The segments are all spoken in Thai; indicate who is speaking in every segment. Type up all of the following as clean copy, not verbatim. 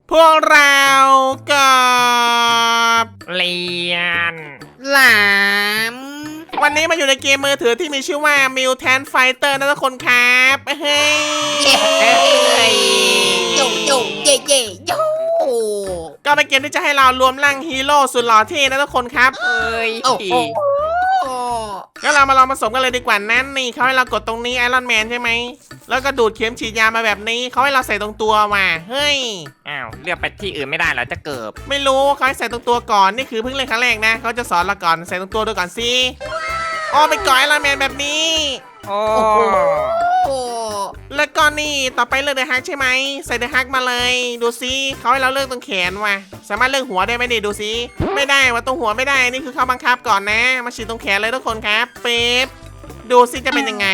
Speaker 1: พวกเรากับ
Speaker 2: เลียน
Speaker 3: หลาม
Speaker 1: วันนี้มาอยู่ในเกมมือถือที่มีชื่อว่า Mutant Fighter นะทุกคนครับเฮ้ย
Speaker 3: โยโยเย่เย่โย
Speaker 1: ก็เป็นเกมที่จะให้เรารวมร่างฮีโร่สุดหล่อเท่นะทุกคนครับ
Speaker 2: เอ้ย
Speaker 3: โอ้โห
Speaker 1: งั้นเรามาลองผสมกันเลยดีกว่านั้นนี่เขาให้เรากดตรงนี้ไอรอนแมนใช่ไหมแล้วก็ดูดเข็มฉีดยามาแบบนี้เขาให้เราใส่ตรงตัวมาเฮ้ย
Speaker 2: อ้าวเลือกไปที่อื่นไม่ได้เหรอจะเกิบ
Speaker 1: ไม่รู้เขาให้ใส่ตรงตัวก่อนนี่คือเพิ่งเล่นครั้งแรกนะเขาจะสอนเราก่อนใส่ตรงตัวดูก่อนสิอ๋อเป็นก่อนไอรอนแมนแบบนี้
Speaker 2: โอ้
Speaker 3: โอ้
Speaker 1: แล้วก็นี่ต่อไปเลือกเดอะฮักใช่ไหมใส่เดอะฮักมาเลยดูซิเขาให้เราเลือกตรงแขนว่ะสามารถเลือกหัวได้ไหมดิดูซิไม่ได้ว่าตรงหัวไม่ได้นี่คือเขาบังคับก่อนนะมาฉีดตรงแขนเลยทุกคนครับเป๊บดูซิจะเป็นยังไง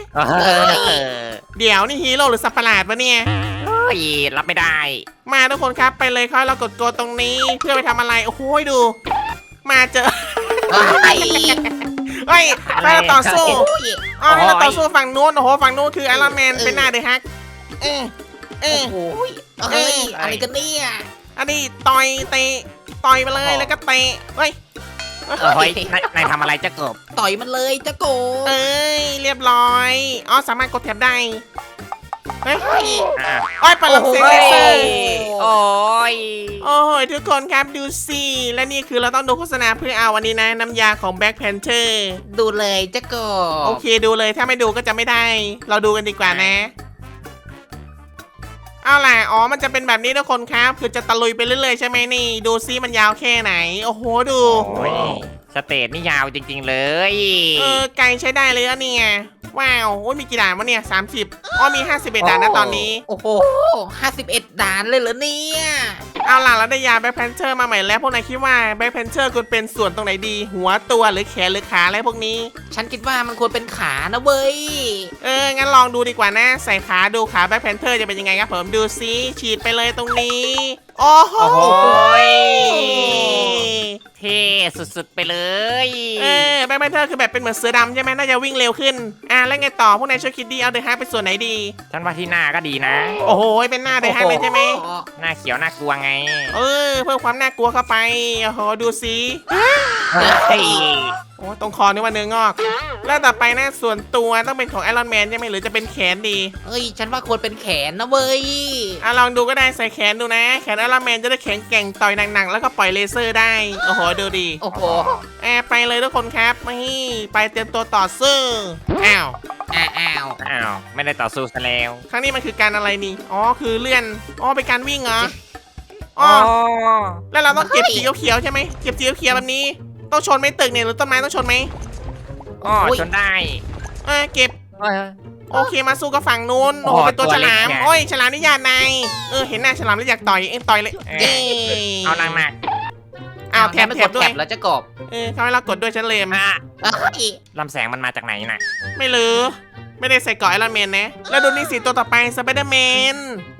Speaker 1: เดี๋ยวนี่ฮีโร่หรือสัตว์ประหลาดวะเนี่ย
Speaker 2: เฮ้ยรับไม่ได้
Speaker 1: มาทุกคนครับไปเลยเขาให้เรากดตรงนี้เพื่อไปทำอะไรโอ้โหดู มาเจอ
Speaker 3: ไอ้
Speaker 1: เฮ้ยไปเราต่อสู้
Speaker 3: ย
Speaker 1: อ๋อให้เราต่อสู้ฝั่งนู้นโอ้โหฝั่งนู้นคือไอรอนแมนเป็นหน้าเดอะฮักเออ
Speaker 3: โอ้โหเฮ้ยอะไรกันเนี่ย
Speaker 1: อันนี้ต่อยเตะต่อยไปเลยแล้วก็เตะเฮ้ย
Speaker 2: เฮ้ยนายทำอะไรจะเกิบ
Speaker 3: ต่อยมันเลยเจ้าโก
Speaker 1: เอ้ยเรียบร้อยอ๋อสามารถกดแท็บได้เฮ้ย
Speaker 2: อ่ะ
Speaker 1: โอ้ยปลังเสียงเลเซอร์
Speaker 2: โอ้ย
Speaker 1: โอ้โหทุกคนครับดูสิและนี่คือเราต้องดูโฆษณาเพื่อเอาวันนี้นะน้ำยาของ Black Panther
Speaker 3: ดูเลยเจ้าโก
Speaker 1: โอเคดูเลยถ้าไม่ดูก็จะไม่ได้ เราดูกันดีกว่านะ เอาล่ะอ๋อมันจะเป็นแบบนี้ทุกคนครับคือจะตะลุยไปเรื่อยๆใช่ไหมนี่ดูซิมันยาวแค่ไหนโอ้โหดู
Speaker 2: โอ้ยสเตจนี่ยาวจริงๆเลย
Speaker 1: ไกลใช้ได้เลยอะเนี่ยว้าวโอ้ยมีกี่ด่านวะเนี่ย30อ๋อมี51ด่านนะตอนนี้
Speaker 3: โอ้โห51ด่านเลยเหรอเนี่ย
Speaker 1: เอาล่ะเราได้ยาแบ็คแพนเทอร์มาใหม่แล้วพวกนายคิดว่าแบ็คแพนเทอร์ควรเป็นส่วนตรงไหนดี หัวตัวหรือแขนหรือขาอะไรพวกนี้
Speaker 3: ฉันคิดว่ามันควรเป็นขานะเว้ย
Speaker 1: งั้นลองดูดีกว่านะ ใส่ขาดูขาแบ็คแพนเทอร์จะเป็นยังไงครับผมดูซิฉีดไปเลยตรงนี้โอ้โห
Speaker 2: โอ้โหเท่สุดๆไปเลย
Speaker 1: แบ็คแพนเทอร์คือแบบเป็นเหมือนเสือดำใช่ไหมน่าจะวิ่งเร็วขึ้นแล้วไงต่อพวกนายช่วยคิดดีเอาเดอะฮักไปส่วนไหนดี
Speaker 2: ฉันว่าที่หน้าก็ดีนะ
Speaker 1: โอ้โหเป็นหน้าเดอะฮักเลยใช่ไหม
Speaker 2: หน้าเขียวน่ากลัวไง
Speaker 1: เพิ่มความน่ากลัวเข้าไปโอ้โหดูซิ
Speaker 2: เฮ้ย
Speaker 1: โอ้ตรงคอนี่ว่าเนื้องอก แล้วต่อไปนะส่วนตัวต้องเป็นของไอรอนแมนใช่ไหมหรือจะเป็นแขนดี
Speaker 3: เฮ้ยฉันว่าควรเป็นแขนนะเว้ย
Speaker 1: ลองดูก็ได้ใส่แขนดูนะ แขนไอรอนแมนจะได้แข็งแกร่งต่อยหนักๆแล้วก็ปล่อยเลเซอร์ได้โอ้โหดูดี
Speaker 3: โอ้โห
Speaker 1: ไปเลยทุกคนครับนี่ไปเตรียมตัวต่อสู้อ้าว
Speaker 3: อ้าว
Speaker 2: อ้าวไม่ได้ต่อสู้ซะแล้ว
Speaker 1: ครั้งนี้มันคือการอะไรนี่อ๋อคือเลื่อนอ๋อเป็นการวิ่งเหรออ๋อแล้วเราต้องเก็บสีเขียวๆใช่ไหมเก็บสีเขียวๆแบบนี้ต้องชนไหมตึกเนี่ยหรือต้นไม้ต้องชนไหม
Speaker 2: อ๋อชนได้
Speaker 1: เก็บ
Speaker 2: เอ้ย
Speaker 1: โอเคมาสู้กับฝั่งนู้นโอ้โห
Speaker 2: โอ้โห
Speaker 1: เป็นตัว
Speaker 2: ตัว
Speaker 1: ฉ
Speaker 2: เล็ก
Speaker 1: ลาม
Speaker 2: ไง
Speaker 1: โอ้ยฉลามนี่ญาตินายเห็นหน้าฉลามแล้วอยากต่อยต่อยเลย
Speaker 2: เอ้ยเอาหนัก
Speaker 1: อ้าวแถบ
Speaker 3: มัน
Speaker 1: แถ
Speaker 3: ก
Speaker 1: บ
Speaker 3: ด
Speaker 1: ด้ว
Speaker 3: แถ
Speaker 1: ย
Speaker 3: บแล้วจะกบ
Speaker 1: เขาให้เรากดด้วยฉันเลย
Speaker 2: ๆอ่ะ
Speaker 3: เฮ้ย
Speaker 2: ลำแสงมันมาจากไหนน่ะ
Speaker 1: ไม่รู้ไม่ได้ใส่เกราะไอรอนแมนนะแล้วดูนี่สิตัวต่อไปสไปเดอร์แมน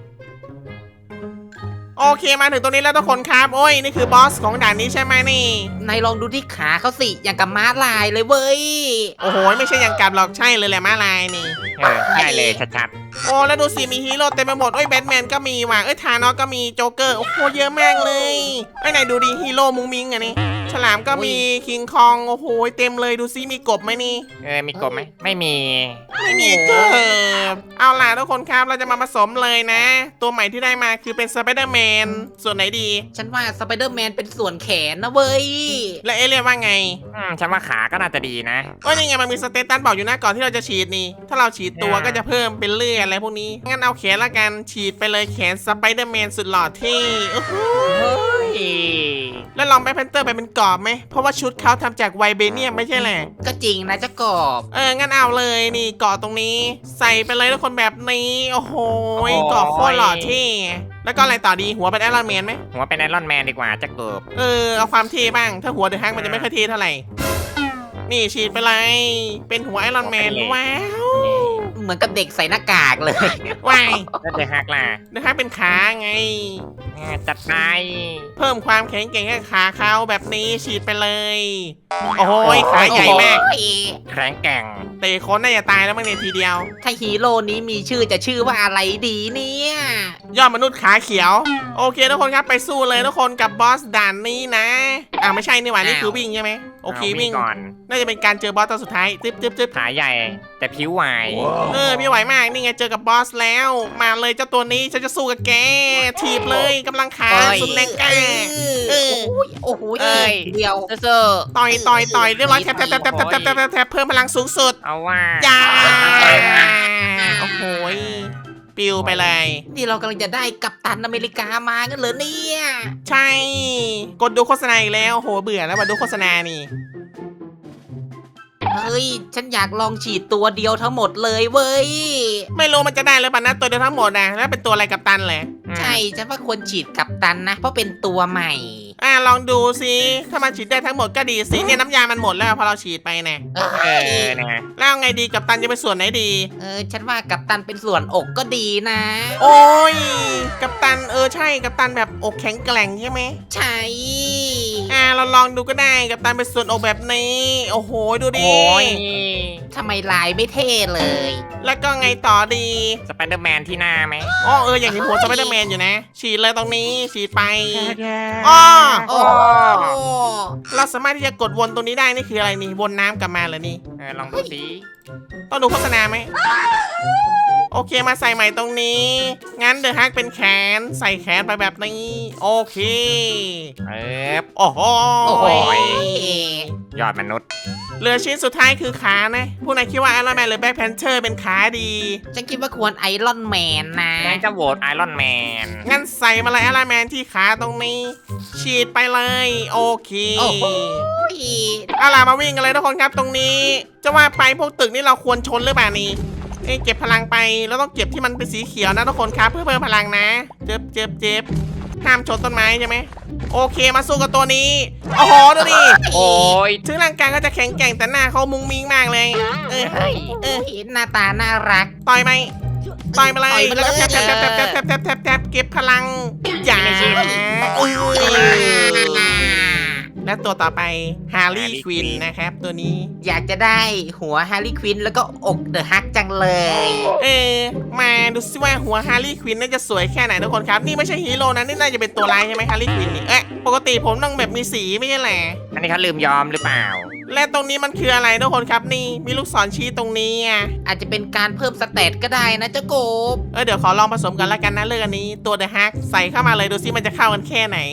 Speaker 1: โอเคมาถึงตรงนี้แล้วทุกคนครับโอ้ยนี่คือบอสของด่านนี้ใช่ไหมนี่
Speaker 3: นายลองดูที่ขาเขาสิอย่างกับม้าลายเลยเว้ย
Speaker 1: โอ้โหไม่ใช่อย่างกับหรอกใช่เลยแหละมาลายนี่
Speaker 2: ใช่เลยชัด
Speaker 1: โอ้แล้วดูสิมีฮีโร่เต็มไปหมดแบทแมนก็มีว่ะธานอสก็มีโจ๊กเกอร์โอ้โหเยอะมากเลยไหนดูดิฮีโร่มุงมิงอะนี่ฉลามก็มีคิงคองโอ้โหเต็มเลยดูซิมีกบไหมนี่
Speaker 2: ๆมีกบไหมไม่มี
Speaker 1: ไม่มีเกิบเอาล่ะทุกคนครับเราจะมาผสมเลยนะ ตัวใหม่ที่ได้มาคือเป็นสไปเดอร์แมนส่วนไหนดี
Speaker 3: ฉันว่าสไปเดอร์แมนเป็นส่วนแขนนะเว้ย
Speaker 1: และเอเลียนว่าไง
Speaker 2: ฉันว่าขาก็น่าจะดีนะ
Speaker 1: ก็ยังไงมันมีสเตตัสบอกอยู่นะก่อนที่เราจะฉีดนี่ ถ้าเราฉีดตัวก็จะเพิ่มเป็นเลือดอะไรพวกนี้งั้นเอาแขนละกันฉีดไปเลยแขนสไปเดอร์แมนสุดหล่อที่โอ้โห
Speaker 2: เฮ้ย
Speaker 1: แล้วลองแบ็คแพนเตอร์ไปเป็นกรอบไหมเพราะว่าชุดเขาทำจากไวเบเนียมไม่ใช่แหละ
Speaker 3: ก็จริงนะเจ้ากบ
Speaker 1: งั้นเอาเลยนี่เกาะตรงนี้ ใส่ไปเลยทุกคนแบบนี้โอ้โหเกาะโคตรหล่อที่แล้วก็อะไรต่อดีหัวเป็นไอรอนแมนไหม
Speaker 2: หัวเป็นไอรอนแมนดีกว่าจะเกิบ
Speaker 1: เอาความเท่บ้างถ้าหัวเดอะฮักมันจะไม่ค่อยเท่เท่าไหร่นี่ฉีดไปเลยเป็นหัวไอรอนแมนว้าว
Speaker 3: เหมือนกับเด็กใส่หน้ากากเลย
Speaker 1: ว้าย
Speaker 2: แล้วเดอะฮักล่ะ
Speaker 1: เดอะฮักเป็นขาไง
Speaker 2: จัดไป
Speaker 1: เพิ่มความแข็งแกร่งให้ขาเขาแบบนี้ฉีดไปเลย โอ้โหขาใหญ่มาก
Speaker 3: โอ้โห
Speaker 2: แข็งแกร่ง
Speaker 1: เตะคนน่าจะตายแล้วมั้งเนี่ยทีเดียว
Speaker 3: ถ้าฮีโร่นี้มีชื่อจะชื่อว่าอะไรดีเนี่ย
Speaker 1: ยอดมนุษย์ขาเขียว โอเคทุกคนครับไปสู้เลยทุกคนกับบอสด่านนี้นะไม่ใช่นี่หว่านี่คือวิ่งใช่ไหมโอเค
Speaker 2: า
Speaker 1: วิ่ง
Speaker 2: ก่อน
Speaker 1: น่าจะเป็นการเจอบอสตัวสุดท้ายจึ๊บ
Speaker 2: ขาใหญ่แต่ผิวไหว
Speaker 1: พี่ไหวมากนี่ไงเจอกับบอสแล้ว มาเลยเจ้าตัวนี้ฉันจะสู้กับแกถีบเลยกำลังขาสุดแรงกล้า
Speaker 3: โอ้โห
Speaker 2: เอ้ย
Speaker 3: เดียว
Speaker 2: เซ่อ
Speaker 1: ต่อยเรียบร้อยแทบเพิ่มพลังสูงสุด
Speaker 2: เอาว่า
Speaker 1: จ้าโอ้โหปิวไปเลย
Speaker 3: นี่เรากำลังจะได้กัปตันอเมริกามากันเหรอเนี่ย
Speaker 1: ใช่ กดดูโฆษณาอีกแล้วโหเบื่อแล้วมาดูโฆษณานี่
Speaker 3: เฮ้ยฉันอยากลองฉีดตัวเดียวทั้งหมดเลยเว้ย
Speaker 1: ไม่รู้มันจะได้หรือเปล่านะตัวเดียวทั้งหมดนะแล้วเป็นตัวอะไรกับตันแหละ
Speaker 3: ใช่ฉันว่าควรฉีดกัปตันนะ เพราะเป็นตัวใหม่
Speaker 1: ลองดูสิถ้ามันฉีดได้ทั้งหมดก็ดีสิเนี่ยน้ำยามันหมดแล้วพอเราฉีดไปนะ
Speaker 3: เอ
Speaker 2: นะ
Speaker 1: แล้วไงดีกับตันจะเป็นส่วนไหนดี
Speaker 3: ฉันว่ากัปตันเป็นส่วนอกก็ดีนะ
Speaker 1: โอ้ยกับตันใช่กับตันแบบอกแข็งแกร่งใช่ไหม
Speaker 3: ใช่
Speaker 1: เราลองดูก็ได้กับตันเป็นส่วนอกแบบนี้โอ้โหดูดิ
Speaker 2: โอ้ย
Speaker 3: ทำไมลายไม่เท่เลย
Speaker 1: แล้วก็ไงต่อดี
Speaker 2: สไปเดอร์แมนที่หน้าไหม
Speaker 1: อย่างนี้หัวสไปเดอร์แมนอยู่นะ ฉีดเลยตรงนี้ฉีดไป
Speaker 2: อ๋อ
Speaker 3: โอ้
Speaker 1: เราสามารถที่จะกดวนตรงนี้ได้นี่คืออะไรนี่วนน้ำกลับมาเหรอนี่
Speaker 2: ลองดูสิ
Speaker 1: ต้องดูโฆษณาไหมโอเคมาใส่ใหม่ตรงนี้ งั้นเดอะฮักเป็นแขนใส่แขนไปแบบนี้ โอเค โอ้โห
Speaker 3: โอ้โห
Speaker 2: ยอดมนุษย์
Speaker 1: เหลือชิ้นสุดท้ายคือขานะผู้นายคิดว่าไอรอนแมนหรือแบ็คแพนเทอร์เป็นขาดี
Speaker 3: ฉันคิดว่าควรไอรอนแมนนะ
Speaker 2: งั้นจะโหวตไอรอนแมน
Speaker 1: งั้นใส่มาเลยไอรอนแมนที่ขาตรงนี้ ฉีดไปเลย โอเค
Speaker 3: โอ้โห
Speaker 1: เอาล่ะมาวิ่งกันเลยทุกคนครับตรงนี้ จะว่าไปพวกตึกนี่เราควรชนหรือเปล่านี่เก็บพลังไปแล้วต้องเก็บที่มันเป็นสีเขียวนะทุกคนครับเพื่อเพิ่มพลังนะเจ็บห้ามชนต้นไม้ใช่ไหมโอเคมาสู้กับตัวนี้โอ้โหดูดิ
Speaker 2: โอ้ย
Speaker 1: ถึงร่างกายก็จะแข็งแกร่งแต่หน้าเขามุงมิงมากเลย
Speaker 3: เห็นหน้าตาน่ารัก
Speaker 1: ต่อยไหมต่อยมาเลย
Speaker 3: ต่อยมาเลย
Speaker 1: แล้วก็แทบเก็บพลังอย่าและตัวต่อไปฮาร์รี่ควินนะครับตัวนี้
Speaker 3: อยากจะได้หัวฮาร์ลีควินแล้วก็อกเดอะฮักจังเลย
Speaker 1: มาดูซิว่าหัวฮาร์รี่ควินน่าจะสวยแค่ไหนทุกคนครับนี่ไม่ใช่ฮีโร่นะนี่น่าจะเป็นตัวร้ายใช่ไหมฮาร์รี่ควินนี่ปกติผมต้องแบบมีสีไม่ใช่แหละ
Speaker 2: อันนี้เขาลืมยอมหรือเปล่า
Speaker 1: และตรงนี้มันคืออะไรทุกคนครับนี่มีลูกศรชี้ตรงนี้
Speaker 3: อาจจะเป็นการเพิ่มสเตตก็ได้นะเจ้าโกบ
Speaker 1: เดี๋ยวขอลองผสมกันแล้วกันนะเรื่องอันนี้ตัวเดอะฮักใส่เข้ามาเลยดูซิมันจะเข้ากันแค่ไหน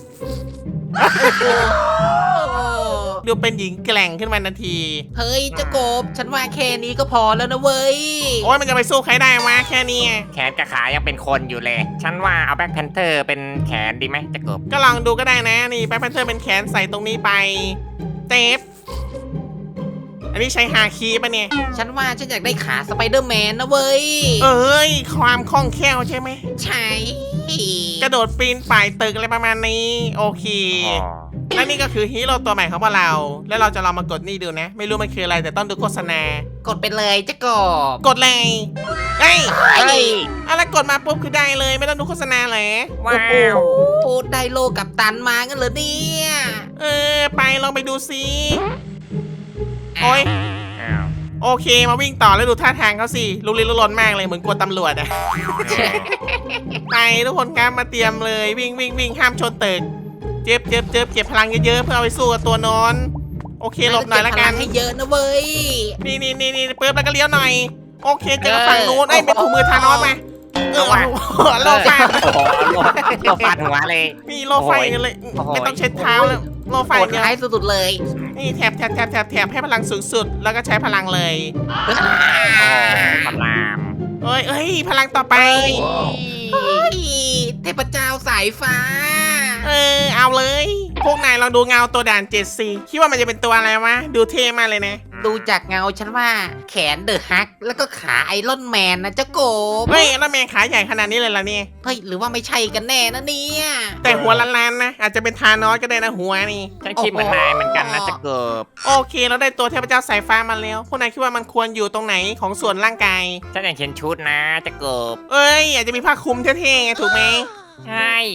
Speaker 1: ดูเป็นหญิงแกร่งขึ้นมาทันที
Speaker 3: เฮ้ยเจ้าโกบฉันว่าแค่นี้ก็พอแล้วนะเว้ย
Speaker 1: โอ้ยมันจะไปสู้ใครได้วะแค่นี้
Speaker 2: แขนกับขายังเป็นคนอยู่เลย ฉันว่าเอาแบ็คแพนเทอร์เป็นแขนดีไหมจะกบ
Speaker 1: ก็ลองดูก็ได้นะนี่แบ็คแพนเทอร์เป็นแขนใส่ตรงนี้ไปเตฟอันนี้ใช้ฮาคีปะเนี่ย
Speaker 3: ฉันว่าฉันอยากได้ขาสไปเดอร์แมนนะเว้ย
Speaker 1: ความคล่องแคล่วใช่ไหม
Speaker 3: ใช่
Speaker 1: กระโดดปีนป่ายตึกอะไรประมาณนี้โอเค และนี่ก็คือฮีโร่ตัวใหม่ของพวกเรา แล้วเราจะลองมากดนี่ดูนะ ไม่รู้มันคืออะไรแต่ต้องดูโฆษณาก
Speaker 3: ดไปเลยเจ้าโกบ
Speaker 1: กดเลยเฮ้ย
Speaker 2: เฮ้ย
Speaker 1: อะไรกดมาปุ๊บคือได้เลยไม่ต้องดูโฆษณาเลย
Speaker 2: ว้าว
Speaker 3: พูดได้โลกับตันมากันเหรอเนี่ย
Speaker 1: ไปลองไปดูซิโอ้ย
Speaker 2: อ้าว
Speaker 1: โอเคมาวิ่งต่อแล้วดูท่าทางเขาสิลุกลี้ลุกลนมากเลยเหมือนกลัวตำรวจอะ ไปทุกคนครับมาเตรียมเลยวิ่งห้ามชนตึกเจ็บพลังเยอะๆเพื่อเอาไปสู้กับตัวนอนโอเคหลบหน่อยละกัน
Speaker 3: ให้เยอะนะเว้ย
Speaker 1: นี่เปิดแล้วก็เลี้ยวหน่อยโอเคเจอกับฝั่งนู้นเป็นถุงมือทานอสมาโลฟาด
Speaker 2: โอ้โหโลฟาดหัวเลย
Speaker 1: นี่โลไฟกันเลย
Speaker 2: โอ้โห
Speaker 1: ไม่ต้องเช็ดเท้าแล้วโลไฟ
Speaker 3: โหด
Speaker 1: เนี่ย
Speaker 3: ร้ายสุดๆเลย
Speaker 1: นี่แถบให้พลังสูงสุดแล้วก็ใช้พลังเลย
Speaker 2: พลาม
Speaker 1: เอ้ยพลังต่อไป
Speaker 3: เฮ้ยเทพเจ้าสายฟ้า
Speaker 1: เอาเลยพวกนายลองดูเงาตัวด่าน7 4คิดว่ามันจะเป็นตัวอะไรวะดูเท่มากเลยนะ
Speaker 3: ดูจากเงาฉันว่าแขนเดอะฮักแล้วก็ขาไอรอนแมนนะเจ้าโกบ
Speaker 1: เฮ้ยแล้วแมงขาใหญ่ขนาดนี้เลยล่ะเนี่ย
Speaker 3: เฮ้ยหรือว่าไม่ใช่กันแน่นะเนี่ย
Speaker 1: แต่หัวล้านๆนะอาจจะเป็นทานอสก็ได้นะหัวนี่
Speaker 2: ฉันคิดเหมือนนายเหมือนกันนะจะเกิบ
Speaker 1: โอเคเราได้ตัวเทพเจ้าสายฟ้ามาแล้วพวกนายคิดว่ามันควรอยู่ตรงไหนของส่วนร่างกาย
Speaker 2: ฉันอยากเห็นชุดนะจะเกิบ
Speaker 1: อาจจะมีผ้าคลุมเท่ๆไงถูกไหม
Speaker 2: ใช่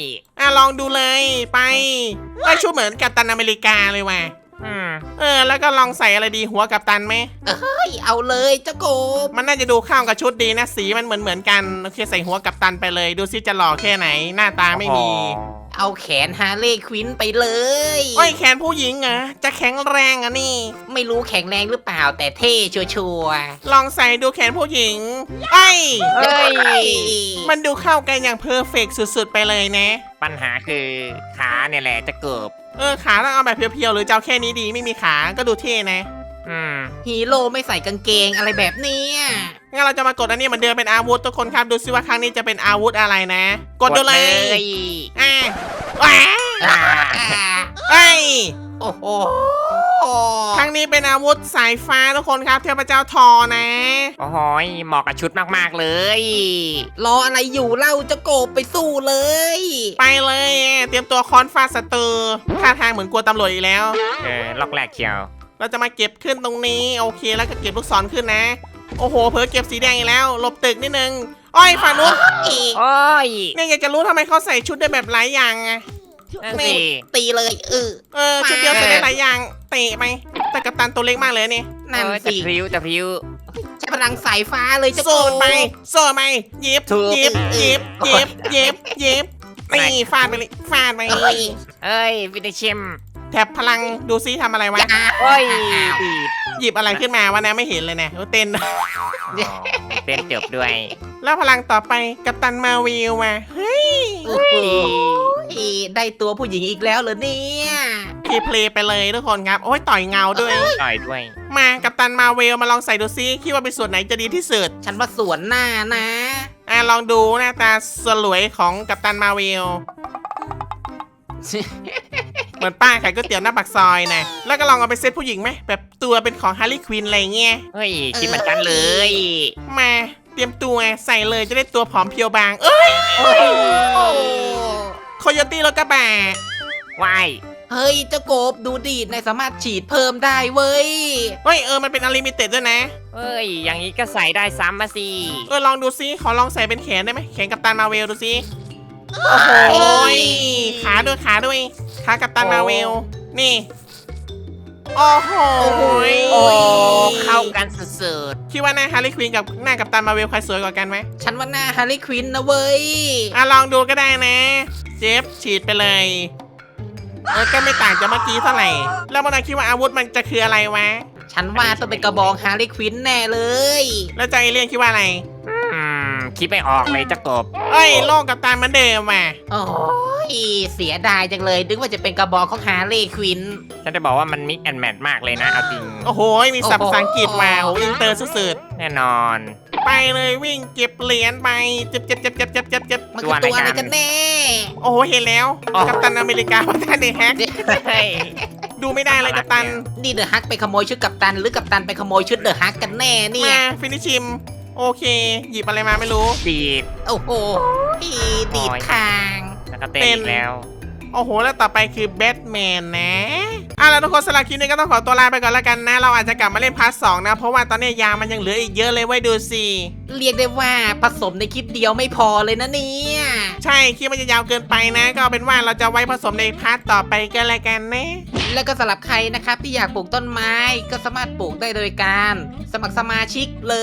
Speaker 1: ลองดูเลยไปไอยชุดเหมือนกัปตันอเมริกาเลยว่ะ
Speaker 2: อืม
Speaker 1: แล้วก็ลองใส่อะไรดีหัวกัปตันไหม
Speaker 3: เฮ้ยเอาเลยเจ้ากบ
Speaker 1: มันน่าจะดูเข้ากับชุดดีนะสีมันเหมือนกันโอเคใส่หัวกัปตันไปเลยดูซิจะหล่อแค่ไหนหน้าตาไม่มี
Speaker 3: เอาแขนฮาร์เลย์ควินไปเลย
Speaker 1: โอ้ยแขนผู้หญิงเหรอจะแข็งแรงอ่ะนี่
Speaker 3: ไม่รู้แข็งแรงหรือเปล่าแต่เท่ชัวร์
Speaker 1: ลองใส่ดูแขนผู้หญิงไอ้ย
Speaker 3: ๆเฮ้ย
Speaker 1: มันดูเข้ากันอย่างเพอร์เฟกสุดๆไปเลยนะ
Speaker 2: ปัญหาคือขาเนี่ยแหละจะเกิบ
Speaker 1: ขาต้องเอาแบบเพียวๆหรือจะเอาแค่นี้ดีไม่มีขาก็ดูเท่นะ
Speaker 2: อืม
Speaker 3: ฮีโร่ไม่ใส่กางเกงอะไรแบบเนี้ย
Speaker 1: งั้นเราจะมากดอันนี้เหมือนเดิมเป็นอาวุธทุกคนครับดูซิว่าครั้งนี้จะเป็นอาวุธอะไรนะ กดดูเลยอ่ะว้า
Speaker 3: อ่า
Speaker 1: ไอ้ย
Speaker 3: โอ้โห
Speaker 1: ครั้งนี้เป็นอาวุธสายฟ้าทุกคนครับเทพเจ้าทอนะ
Speaker 2: โอ้โหยเหมาะกับชุดมากๆเลย
Speaker 3: รออะไรอยู่เล่าเจ้าโกบไปสู้เลย
Speaker 1: ไปเลยเตรียมตัวค้อนฟาดศัตรูท่าทางเหมือนกลัวตำรวจอีกแล้ว
Speaker 2: ล็อกแรกเชียว
Speaker 1: เราจะมาเก็บขึ้นตรงนี้โอเคแล้วก็เก็บลูกศรขึ้นนะ โอ้โหเผลอเก็บสีแดงอีกแล้วหลบตึกนิดนึงอ้อยฝั่งนู้น
Speaker 2: โอ้ย
Speaker 1: เนี่ยอยากจะรู้ทำไมเขาใส่ชุดได้แบบหลายอย่างอะ
Speaker 2: นั่น
Speaker 1: นี่
Speaker 2: สิ
Speaker 3: ตีเลย
Speaker 1: ชุดเดียวใส่ได้หลายอย่างเตะไปแต่กัปตันตัวเล็กมากเลยนี่
Speaker 3: นั่น
Speaker 2: จะ
Speaker 3: สิ
Speaker 2: พริ้วจะพริ้ว
Speaker 3: ใช้พลังสายฟ้าเลยเจ้าโก
Speaker 1: โซ่
Speaker 3: บ
Speaker 1: ไปโซ่ไปหยิบ
Speaker 2: ถูก
Speaker 1: หยิบหยิบหยิบหยิบหยิบนี่ฟาดไปเลยฟาดไป
Speaker 3: เอ้ย
Speaker 2: เอ้ยฟินิชชิม
Speaker 1: แถบพลังดูซิทำอะไรวะ
Speaker 3: อย่า
Speaker 2: โอ้ย
Speaker 3: อ้าว
Speaker 2: ดีด
Speaker 1: หยิบอะไรขึ้นมาวะนะไม่เห็นเลยนะเต้น
Speaker 2: อ๋อเต้นจบด้วย
Speaker 1: แล้วพลังต่อไปกัปตันมาวิลมาเฮ้ย
Speaker 3: โอ้โหได้ตัวผู้หญิงอีกแล้วเหรอเนี่ย
Speaker 1: พีเพลย์ไปเลยทุกคนครับโอ้ยต่อยเงาด้วย
Speaker 2: ต่อยด้วย
Speaker 1: มากัปตันมาเวลมาลองใส่ดูซิคิดว่าเป็นส่วนไหนจะดีที่สุด
Speaker 3: ฉันว่าสวนหน้านะ
Speaker 1: ลองดูหน้าตาสลวยของกัปตันมาเวลเหมือนป้าขายก๋วยเตี๋ยวหน้าปากซอยนะแล้วก็ลองเอาไปเซตผู้หญิงไหมแบบตัวเป็นของฮาร์ลีควินอะไรเงี้ย
Speaker 2: เฮ้ยคิดเหมือนกันเลย
Speaker 1: มาเตรียมตัวใส่เลยจะได้ตัวผอมเพรียวบางเอ้ย
Speaker 3: โอ้โห
Speaker 1: โคโยตี้รถกระบะ
Speaker 2: ว้าย
Speaker 3: เฮ้ยเจ้าโกบดูดีดในสามารถฉีดเพิ่มได้เว้ย
Speaker 1: เฮ้ยมันเป็นอลิมิเต็ดด้วยนะ
Speaker 2: เฮ้ย อย่างนี้ก็ใส่ได้ซ้ำมาสิ
Speaker 1: ลองดูซิขอลองใส่เป็นแขนได้ไหมแขนกัปตันมาเวลดูซิโอ้โหยขาด้วยขากัปตันมาเวลนี่ โอ้โหย
Speaker 2: โอ้เข้ากันสุด
Speaker 1: คิดว่าหน้าฮาร์ลีควินกับหน้ากัปตันมาเวลใครสวยกว่ากันไหม
Speaker 3: ฉันว่าหน้าฮาร์ลีควินนะเว้ย
Speaker 1: ลองดูก็ได้นะ เจฟฉีดไปเลยก็ไม่ต่างจากเมื่อกี้เท่าไหร่ แล้วมันคิดว่าอาวุธมันจะคืออะไรวะ
Speaker 3: ฉันว่าต้องเป็นกระบองฮาร์ลีควินแน่เลย
Speaker 1: แล้วเจ้าเอเลี่ยนคิดว่าอะไร
Speaker 2: ๆคิดไม่ออกเลยจะกบ
Speaker 1: โลกกัปตันเหมือนเดิมว่ะ
Speaker 3: โอ้ยเสียดายจังเลยนึกว่าจะเป็นกระบองของฮาร์ลีควิน
Speaker 2: ฉันจะบอกว่ามันมิกแอนแมทมากเลยนะ เอาจริง
Speaker 1: โอ้โหมีศัพท์ภาษาอังกฤษมาโหอินเตอร์สุด
Speaker 2: แน่นอน
Speaker 1: ๆไปเลยวิ่งเก็บเหรียญไปเจ็บ
Speaker 3: มันคือตัวอะไรกันแน่
Speaker 1: โอ้โหเห็นแล้ว
Speaker 2: อ๋อ
Speaker 1: กัปตันอเมริกาพัฒนาเดแฮก
Speaker 2: เฮ้ย
Speaker 1: ดูไม่ได้เลยกัปตัน
Speaker 3: นี่เดอะฮักไปขโมยชุดกัปตันหรือกัปตันไปขโมยชุดเดอะฮักกันแน่เนี่ย
Speaker 1: มาฟินิชชิม โอเค หยิบอะไรมาไม่รู้
Speaker 2: ดีด
Speaker 3: โอ้โหดีดคาง
Speaker 2: แล้วก็เต้นอีกแล้ว
Speaker 1: โอ้โห แล้วต่อไปคือแบทแมนนะแล้วทุกคนสำหรับคลิปนี้ก็ต้องขอตัวลาไปก่อนแล้วกันนะ เราอาจจะกลับมาเล่นพาร์ทสองนะ เพราะว่าตอนนี้ยามันยังเหลืออีกเยอะเลยไว้ดูสิ
Speaker 3: เรียกได้ว่าผสมในคลิปเดียวไม่พอเลยนะเนี่ย
Speaker 1: ใช่คลิปมันจะยาวเกินไปนะ ก็เอาเป็นว่าเราจะไว้ผสมในพาร์ทต่อไปกันแล้วกันนะ
Speaker 3: แล้วก็สำหรับใครนะครับที่อยากปลูกต้นไม้ก็สามารถปลูกได้โดยการสมัครสมาชิกเลย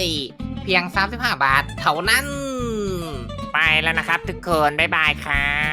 Speaker 3: เพียง 35 บาทเท่านั้น
Speaker 2: ไปแล้วนะครับทุกคน บ๊ายบายครับ